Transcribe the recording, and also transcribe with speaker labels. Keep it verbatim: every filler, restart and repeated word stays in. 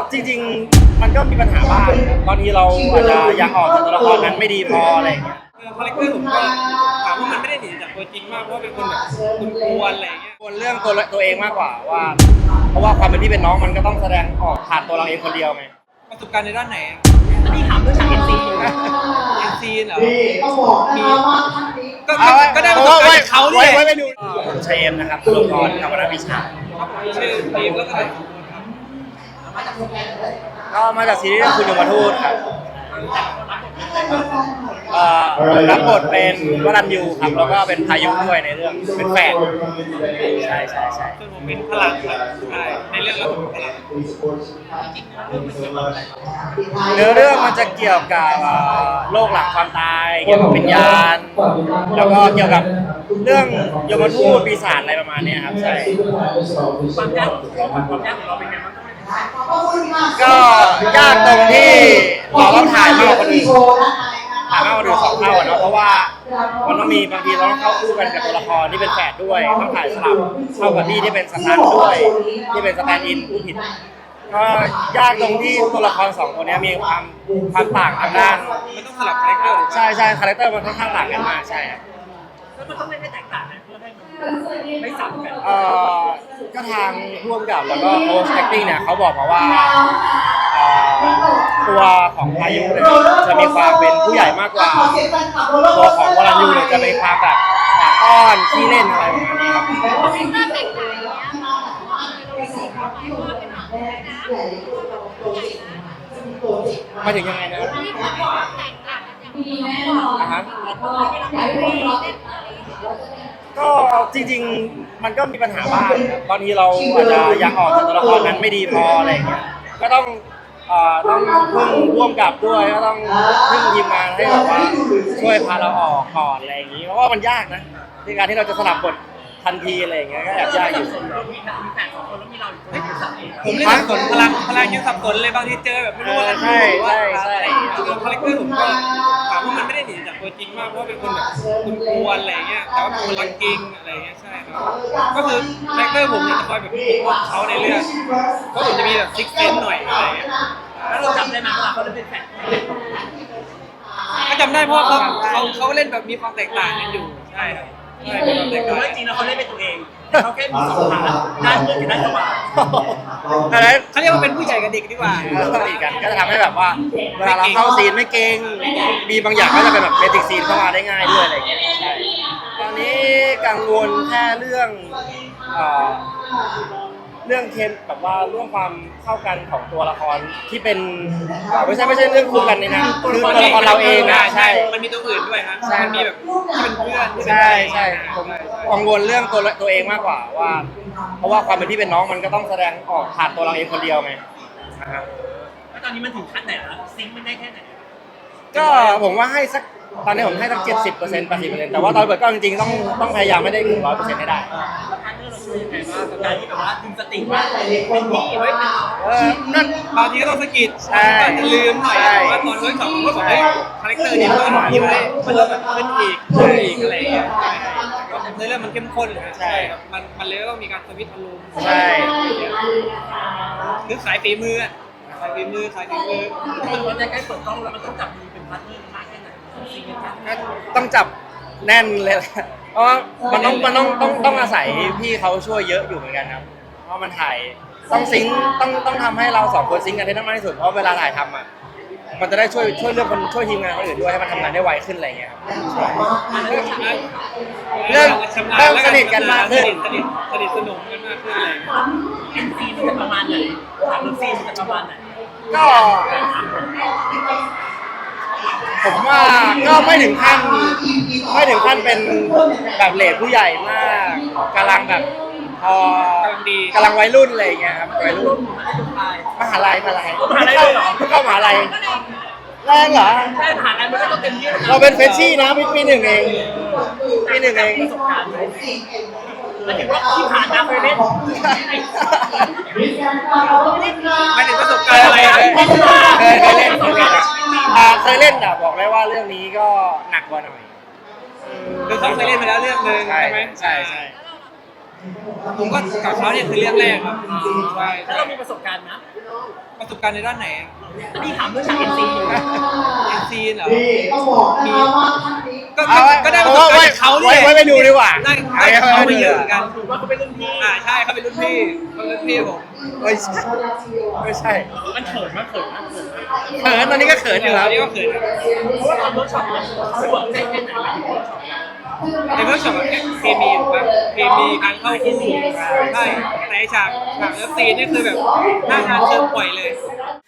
Speaker 1: จริงๆมันก็มีปัญหาบ้างบางทีเราอาจจะยังออกจากตัวละครนั้นไม่ดีพออะไรอย่างเงี้ย
Speaker 2: คาแรคเตอร์ผมก็ถามว่ามันไม่ได้หนีจากตัวจริงมากเพราะว่าเป็นคนแบบคุณกวนอะไรอย่างเงี้ย
Speaker 1: กวนเรื่องตัวตัวเองมากกว่าว่าเพราะว่าความเป็นพี่เป็นน้องมันก็ต้องแสดงออกผ่านตัวเราเองคนเดียวไง
Speaker 2: ประสบการณ์ในด้านไหน
Speaker 3: อันนี้ถามเรื่องฉากเอ็นซีนะ
Speaker 2: เอ็นซีเหรอมีก็
Speaker 1: เอาไว้
Speaker 2: ก็ได้ประสบการณ์เขาเนี่ย
Speaker 1: ไว้ไว้ดูเชมนะครับตัวละครกับวรรณวิชา
Speaker 2: ชื่อทีมแล้วก็
Speaker 1: ก็มาจากซีรีส์คุณยมทูตครับรับบทเป็นวรัญยูครับแล้วก็เป็นพายุด้วยในเรื่องเป็นแฝดใช่ใช่ใช่
Speaker 2: ส่วนผมเป็นพลังครับใช่ในเรื่องเราเป็นพลัง
Speaker 1: เนื้อเรื่องมันจะเกี่ยวกับโลกหลังความตายเกี่ยวกับวิญญาณแล้วก็เกี่ยวกับเรื่องยมทูตปีศาจอะไรประมาณนี้ครับใช่
Speaker 3: ความยากความยากของเราเป็นไงบ้าง
Speaker 1: ก็ยากตรงที่เราต้องถ่ายมากกว่าคนอื่นถ่ายมากกว่าคนอื่นสองเท่าเนาะเพราะว่ามันต้องมีบางทีเราต้องเข้าคู่กันกับตัวละครที่เป็นแฝดด้วยต้องถ่ายสลับเข้ากับพี่ที่เป็นสตันด้วยที่เป็นสแตนด์อินผู้ผิดก็ยากตรงที่ตัวละครสองคนนี้มีความความต่างทางด้าน
Speaker 2: มันต้องสลับคาแรคเตอร์
Speaker 1: ใช่ใช่คาแรคเตอร์มันค่อนข้างต่างกันมากใช่
Speaker 3: แล้วมันต้องเล่นให้แตกต่างกันเพื่อให้มันไม่ซ้ำกัน
Speaker 1: เอ่อก็ทางร่วมกับแล้วก็โค้ชแอคติ้งเนี่ยเขาบอกมาว่าตัวของพายุเนี่ยจะมีความเป็นผู้ใหญ่มากกว่าตัวของวรัญยูเนี่ยจะมีความแบบปากอ้อนขี้เล่นอะไรประมาณนี้ครับมาถึงยังไงนะอ่ะฮะก็จริงๆมันก็มีปัญหาบ้างบางทีเราอาจจะยังออกจากตัวละครนั้นไม่ดีพออะไรอย่างเงี้ยก็ต้องต้องพึ่งร่วมกับด้วยก็ต้องพึ่งทีมงานให้แบบว่าช่วยพาเราออกก่อนอะไรอย่างงี้เพราะว่ามันยากนะในการที่เราจะสลับบททันทีอะไรอย่างเงี้ยก็แอบยากอยู่
Speaker 2: ผมเล่นสับสนพลังพลังยังสับสนเลยบางทีเจอแบบไม่รู้ว่า
Speaker 1: ใช่ใช่ใช่
Speaker 2: คาแรคเตอร์ผมก็ถามว่ามันไม่ได้หนีจากตัวจริงมากเพราะว่าเป็นคนแบบคุณกวนอะไรอย่างเงี้ยแต่ว่าเป็นคนรักจริงอะไรอย่างเงี้ยใช่ครับก็คือคาแรคเตอร์ผมจะคอยแบบปกป้องเขาในเรื่องเพราะผมจะมีแบบซิกเซนหน่อยอะไรอย่างเงี้ย
Speaker 3: แล้วเราจำได้ไหมว่าเขาเล่นเป็นแฝด
Speaker 2: ก็จำได้เพราะเขาเขาเขาเล่นแบบมีความแตกต่างกันอยู่ใช่ครับใช่มีความแตกต่าง
Speaker 3: จริงแล้วเขาเล่นเป็นตัวเองเขาแค่มีสองขาด้านมืดกับด้านขวา
Speaker 2: เขาเรียกว่าเป็นผู้ใหญ่กับเด็กดีกว่า
Speaker 1: สนิทกันก็จะทำให้แบบว่าเวลาเราเข้าซีนไม่เก่งมีบางอย่างก็จะเป็นแบบเบสิกซีนเข้ามาได้ง่ายด้วยอะไรอย่างเงี้ยใช่ตอนนี้กังวลแค่เรื่องเรื่องเคมแบบว่าเรื่องความเข้ากันของตัวละครที่เป็นไม่ใช่ไม่ใช่เรื่องคู่กันนี่นะคือตัวละครเราเองนะใช่
Speaker 2: มันมีตัวอื่นด้วยครับมันมีแบบที่เป็นเพื่อน
Speaker 1: ใช่ใช่ผมกังวลเรื่องตัวตัวเองมากกว่าว่าเพราะว่าความเป็นพี่เป็นน้องมันก็ต้องแสดงออกผ่านตัวเราเองคนเดียวไง
Speaker 3: นะครับแล้วตอนนี้มันถึงขั้นไหนแล้วซิงค์มันได้แค่ไหน
Speaker 1: ก็ผมว่าให้สักตอนนี้ผมให้สักเจ็ดสิบเปอร์เซ็นต์แปดสิบเปอร์เซ็นต์แต่ว่าตอนเปิดก็จริงๆต้องต้องพยายามไม่ได้ถึงร้อยเปอร์เซ็นต์ให้ได้
Speaker 3: การที่แบบว่าดึงสติว่าเป็นที่ไว้เป็น
Speaker 1: เออนั่น
Speaker 2: บางทีก็ต้องสะกิดใช่จะลืมหน่อยว่าตอนเวิร์กช็อปก็บอกให้คาแรคเตอร์นี้มันยิ้มได้มันเริ่มแบบขึ้นอีกขึ้นอีกอะไรอย่างเงี้ยในเรื่องมันเข้มข้นใช่ครับมันมันเลยต้องมีการสวิตช์อารมณ์
Speaker 1: ใช่
Speaker 2: คือขายฝีมือขายฝีมือขายฝีมือ
Speaker 3: มันจะใกล้เปิดกล้องแล้วมันต้องจับมือเป็นพาร์ทเนอร์มากแค่ไหน
Speaker 1: ต้องจับแน่นเลยเพราะมันต้องมันต้องต้องต้องอาศัยพี่เขาช่วยเยอะอยู่เหมือนกันครับเพราะมันถ่ายต้องซิงต้องต้องทำให้เราสองคนซิงกันได้มากที่สุดเพราะเวลาถ่ายทำอ่ะมันจะได้ช่วยช่วยเรื่องคนช่วยทีมงานคนอื่นด้วยให้มันทำงานได้ไวขึ้นอะไรเงี้ยครับเริ่มเริ่มสนิทกันมากขึ้น
Speaker 2: สนิทสนิทสนุกกันมากขึ้นอะไร
Speaker 3: เอ็นซีมันจะประมาณไหนถามเรื่องซีมันจะประมาณไหน
Speaker 1: ก็ผมว่าก็ไม่ถึงขั้นไม่ถึงขั้นเป็นแบบเลทผู้ใหญ่มากกำลังแบบพอกำลังวัยรุ่นอะไรอย่างเงี้ยครับวัยรุ่นมหาลัยมหาลัย
Speaker 3: มหาลัยเหรอ
Speaker 1: เข้ามหาลัยแรงเหรอ
Speaker 3: ใช่ผ่านอะไรมันก็ต้องเต็มที่
Speaker 1: เราเป็นเฟรชชี่นะปีหนึ่งเองปีหนึ่งเอง
Speaker 3: ประสบการณ์หมายถึงว่าที่ผ่านมาเคยเล่น
Speaker 2: หมายถึงประสบการณ์อะไร
Speaker 1: เคยเคยเล่นเคยเล่นเคยเล่นแต่บอกเลยว่าเรื่องนี้ก็หนักกว่าหน่อย
Speaker 2: คือเขาเคยเล่นไปแล้วเรื่องนึงใช่ไหม
Speaker 1: ใช่ใช่
Speaker 2: ผมก็กับเขาเนี่ยคือเรื่องแรกครับ
Speaker 3: ใช่แล้วเรามีประสบการณ์นะ
Speaker 2: ประประสบการณ์ในด้านไหน
Speaker 3: พี่ถามเรื่องฉากเอ็นซี
Speaker 2: เอ็นซีเหรอ
Speaker 4: ต้องบอกนะคะว่าท่านนี้
Speaker 2: ก็
Speaker 1: เอาไว้
Speaker 2: ก็ได้ป
Speaker 1: เอา
Speaker 2: ระสบการ
Speaker 1: ไว้
Speaker 2: ณ์จากเขา
Speaker 1: ไว้
Speaker 2: เนี่ย
Speaker 1: ไว้ไปดูดีกว่า
Speaker 2: ได้ได้จากเขาไปเยอะเหมือนกัน
Speaker 3: ถือว่าเขาเป็นรุ่นพี่
Speaker 2: อ่าใช่เขาเป็นรุ่นพี่เขาเป็นรุ่นพี่ผม
Speaker 1: ไม่ใช่ไม่ใช่
Speaker 3: มันเขินมากเขินมากเขินมาก
Speaker 1: เขินตอนนี้ก็เขินอยู่
Speaker 2: ต
Speaker 1: ค
Speaker 2: อ
Speaker 1: รั
Speaker 2: น
Speaker 1: บ
Speaker 2: นี้ก็เขิน
Speaker 3: เพราะว่าตอนเวิร์กช็อปเนี่ยเขาเวิร์กเล่นเล่นไหนมาถึงเวิร์กช็อปเนี่ย
Speaker 2: ในเวิร์กช็อปอะเคมีถูกปะเคมีการเข้าคู่ใช่แต่ไอ้ฉากฉากเลิฟซีนนี่คือแบบหน้างานเชิญปล่อยเลย